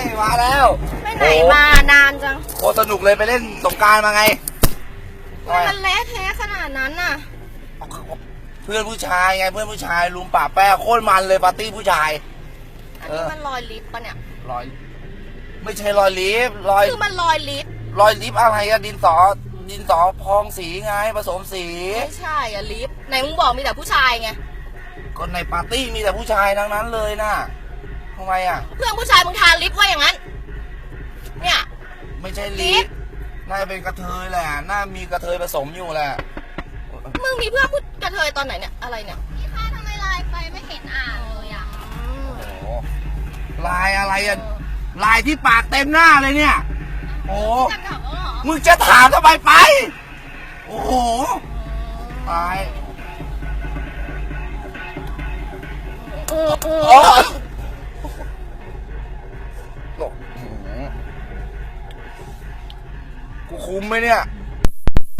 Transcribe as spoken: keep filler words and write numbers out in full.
มาแล้วไปไหนมานานจังโอ้สนุกเลยไปเล่นสงกรานต์มาไงมันเละเทะขนาดนั้นน่ะเพื่อนผู้ชายไงเพื่อนผู้ชายลุมป่าแป้โคตรมันเลยปาร์ตี้ผู้ชายอันนี้มันรอยลิฟต์ปะเนี่ยรอย ไม่ใช่รอยลิฟต์รอยคือมันรอยลิฟต์รอยลิฟต์อะไรอะดินสอดินสอพองสีไงผสมสีไม่ใช่อะลิฟต์ไหนมึงบอกมีแต่ผู้ชายไงก็ในปาร์ตี้มีแต่ผู้ชายทั้งนั้นเลยนะทำไมอะเพื่อนผู้ชายมึงทาลิฟต์ว่าอย่างนั้นเนี่ยไม่ใช่ลิฟต์น่าจะเป็นกระเทยแหละน่ามีกระเทยผสมอยู่แหละมึงมีเพื่อนผู้กระเทยตอนไหนเนี่ยอะไรเนี่ยพี่คะทำไมไลน์ไปไม่เห็นอ่านเลยอ่ะโอ้โหลายอะไรอะลายที่ปากเต็มหน้าเลยเนี่ยโอ้จะกลับแล้วเหรอมึงจะถามทำไมไป โอ้โหตายเออเออโอ้ยกูคุ้มไหมเนี่ย